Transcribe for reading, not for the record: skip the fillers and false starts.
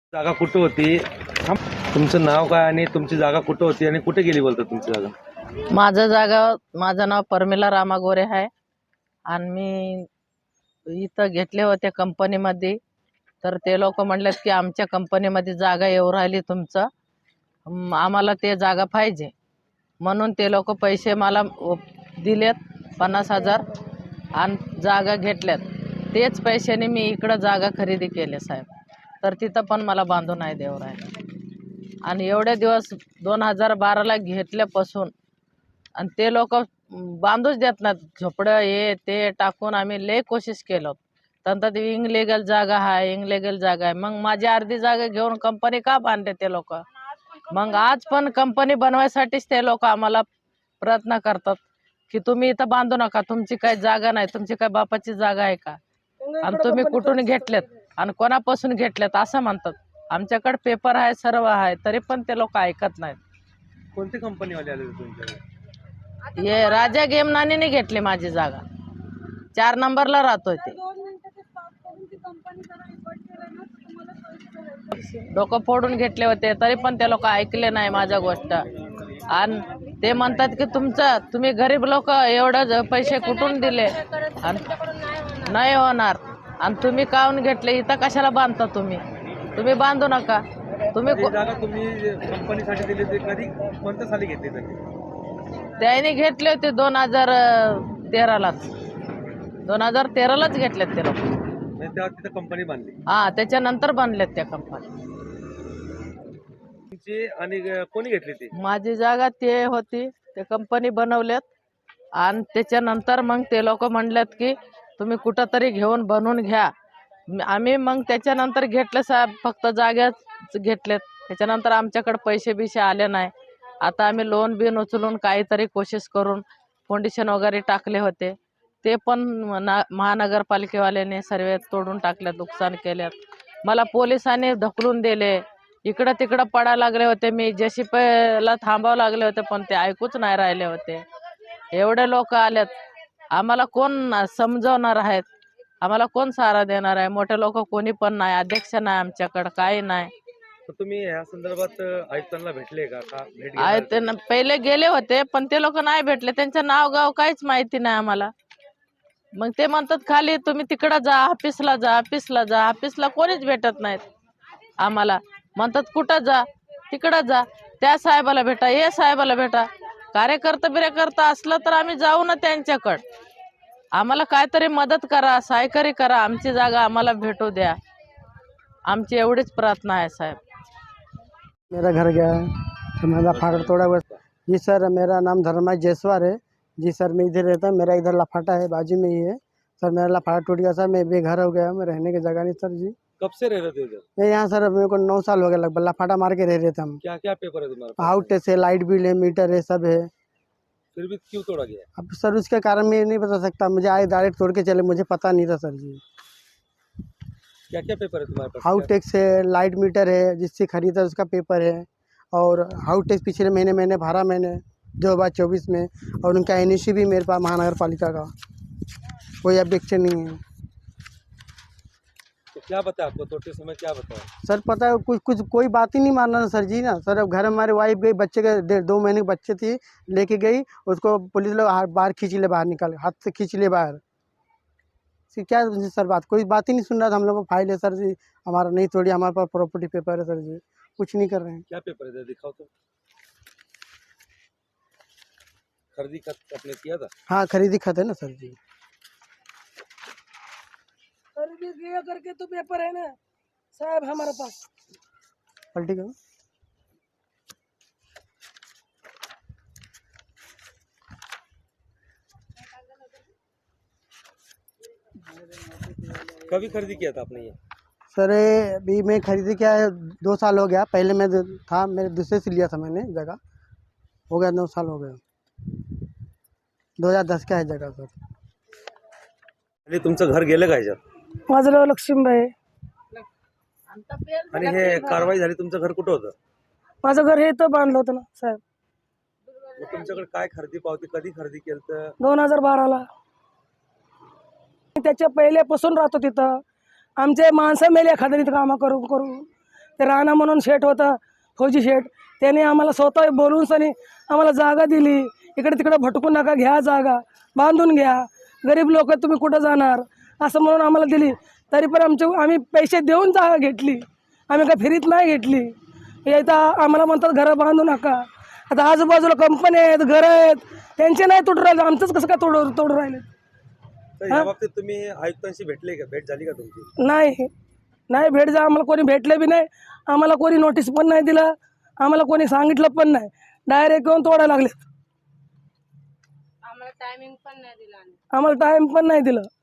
जागा कुठं होती? तुमचं नाव काय आणि तुमची जागा कुठं होती आणि कुठे गेली बोलता तुमची जागा? माझं नाव परमिला रामा गोरे आहे आणि मी इथं घेतले होते कंपनीमध्ये. तर ते लोक म्हणलेत की आमच्या कंपनीमध्ये जागा येऊ राहिली तुमचं, आम्हाला ते जागा पाहिजे. म्हणून ते लोक पैसे मला दिलेत 50,000 आणि जागा घेतल्यात. तेच पैशाने मी इकडं जागा खरेदी केली साहेब. तर तिथं पण मला बांधून नाही देऊ राहिले. आणि एवढे दिवस 2012ला घेतल्यापासून आणि ते लोक बांधूच देत नाहीत. झोपडं हे ते टाकून आम्ही लय कोशिश केलं. तर ती इनलिगल जागा आहे, इनलिगल जागा आहे. मग माझी अर्धी जागा घेऊन कंपनी का बांधते ते लोक? मग आज पण कंपनी बनवायसाठीच ते लोक आम्हाला प्रयत्न करतात की तुम्ही इथं बांधू नका, तुमची काही जागा नाही, तुमची काय बापाची जागा आहे का, आणि तुम्ही कुठून घेतलेत आणि कोणापासून घेतलेत असं म्हणतात. आमच्याकडे पेपर आहे, सर्व आहे, तरी पण ते लोक ऐकत नाहीत. कोणती कंपनीवाले आले होते तुमच्याकडे? हे राजा गेमनानीने घेतली माझी जागा. 4 नंबरला राहतोय ते. डोकं फोडून घेतले होते तरी पण ते लोक ऐकले नाही माझ्या गोष्ट. आणि ते म्हणतात की तुम्ही गरीब लोक एवढं पैसे कुठून दिले आणि नाही होणार, आणि तुम्ही काऊन घेतले, इथं कशाला बांधता तुम्ही बांधू नका. तुम्ही जागा तुम्ही कंपनीसाठी दिली होती, कधी कोणत्या साली घेतली त्यांनी? त्याने घेतले होते 2013लाच. 2013लाच घेतलेत ते लोक. तेव्हा तिथं कंपनी बांधली हा, त्याच्यानंतर बांधलेत त्या कंपनी. तुमची आणि कोणी घेतली ती? माझी जागा ते होती, ते कंपनी बनवल्यात. आणि त्याच्यानंतर मग ते लोक म्हणलेत की तुम्ही कुठं तरी घेऊन बनवून घ्या. आम्ही मग त्याच्यानंतर घेतलं साहेब, फक्त जाग्याच घेतलेत. त्याच्यानंतर आमच्याकडे पैसे बिशे आले नाही. आता आम्ही लोन बिन उचलून काहीतरी कोशिश करून फाउंडेशन वगैरे टाकले होते, ते पण महानगरपालिकेवाल्याने सर्व तोडून टाकल्यात, नुकसान केल्यात. मला पोलिसांनी ढकलून दिले, इकडं तिकडं पडायला लागले होते. मी JCPला थांबावं लागले होते, पण ते ऐकूच नाही राहिले होते. एवढे लोक आलेत, आम्हाला कोण समजवणार आहेत, आम्हाला कोण सहारा देणार आहे? मोठे लोक कोणी पण नाही, अध्यक्ष नाही आमच्याकडं, काही नाही. तुम्ही या संदर्भात आयुक्तांना भेटले का? भेट आहे ते पहिले गेले होते, पण ते लोक नाही भेटले. त्यांचं नाव गाव काहीच माहिती नाही आम्हाला. मग ते म्हणतात खाली तुम्ही तिकडं जा, ऑफिसला जा, ऑफिसला जा. ऑफिसला कोणीच भेटत नाहीत आम्हाला. म्हणतात कुठं जा, तिकडं जा, त्या साहेबाला भेटा, हे साहेबाला भेटा. कार्यकर्ता असलं तर आम्ही जाऊ ना त्यांच्याकडं. आम्हाला काहीतरी मदत करा, सहकार्य करा, आमची जागा आम्हाला भेटू द्या. आमची एवढीच प्रार्थना आहे साहेब. मेरा घर गया है तो मेरा फाटक तोड़ा हुआ। जी सर, मेरा नाम धर्मा जयसवार है। जी सर, मैं इधर रहता हूँ, मेरा इधर लफाटा है, बाजू में ही है सर। मेरा लफाटा टूट गया सर, मैं बेघर हो गया, मैं रहने की जगह नहीं सर जी। कब से रह रहे थे उधर? मैं यहाँ सर, मेरे को 9 साल हो गया लगभग, लफाटा मार के रह रहे थे हम। क्या क्या पेपर है तुम्हारे पास? आउट है, लाइट बिल है, मीटर है, सब है। फिर भी क्यों तोड़ा गया? अब सर उसके कारण मैं नहीं बता सकता, मुझे आए डायरेक्ट तोड़ के चले, मुझे पता नहीं था सर जी। क्या क्या पेपर है तुम्हारे पास? हाउस टैक्स है, लाइट मीटर है, जिससे खरीदा उसका पेपर है, और हाउस टैक्स पिछले महीने मैंने भरा, मैंने 2024 में, और उनका NOC भी मेरे पास महानगर पालिका का, कोई ऑब्जेक्शन नहीं है। तो क्या बताया आपको तोड़ते समय, क्या बताया? सर पता है कुछ कोई बात ही नहीं मानना सर जी ना सर। अब घर हमारे वाइफ गई, बच्चे के 2 महीने के बच्चे थी, लेके गई उसको, पुलिस लोग बाहर खींच ले, बाहर निकाल, हाथ से खींच ले बाहर। क्या सर बात, कोई बात ही नहीं सुन रहा था। हम लोग को फाइल है सर जी, हमारा नहीं तोड़ी, हमारे पास प्रॉपर्टी पेपर है सर जी, कुछ नहीं कर रहे हैं। क्या पेपर है दिखाओ तो। खरीदी खत आपने किया था? हाँ, खरीदी खत है ना सर जी। खरीदी किया करके तो पेपर है ना साहब हमारे पास। पलटी करो। कभी खरीदी किया था आपने ये? सर अभी मैं खरीदी क्या है, 2 साल हो गया। पहले मैं था, मेरे दूसरे से लिया था मैंने जगह, हो गया 9 साल हो गया। 2010 का है जगह सर। आणि तुमचं घर गेलं का ह्याच्यात? माझं नाव लक्ष्मीबाई आहे. आणि हे कारवाई झाली, तुमचं घर कुठं होतं? माझं घर हे इथं बांधलं होतं ना साहेब, मग तुमच्याकडे काय खरेदी पावती, कधी खरेदी केलं तर? 2012ला. त्याच्या पहिल्यापासून राहतो तिथं. आमचे माणसं मेले एखाद्या इथं कामं करून करून. ते राणा म्हणून शेठ होता, फौजी शेठ, त्याने आम्हाला स्वतः बोलून सनी आम्हाला जागा दिली. इकडे तिकडे भटकू नका, घ्या जागा, बांधून घ्या, गरीब लोक तुम्ही कुठं जाणार असं म्हणून आम्हाला दिली. तरी पण आम्ही पैसे देऊन जागा घेतली, आम्ही काय फ्रीत नाही घेतली. इथं आम्हाला म्हणतात घरं बांधू नका. आता आजूबाजूला कंपन्या आहेत, घरं आहेत, त्यांचे नाही तोडू राहिले, आमचंच कसं काय तोडू राहिले. तर या बाबतीत तुम्ही आयुक्तांशी भेटले का, भेट झाली का तुमची? नाही भेट जा, आम्हाला कोणी भेटले बी नाही, आम्हाला कोणी नोटीस पण नाही दिलं, आम्हाला कोणी सांगितलं पण नाही, डायरेक्ट येऊन तोडायला लागले. आम्हाला टाइम पण नाही दिलं.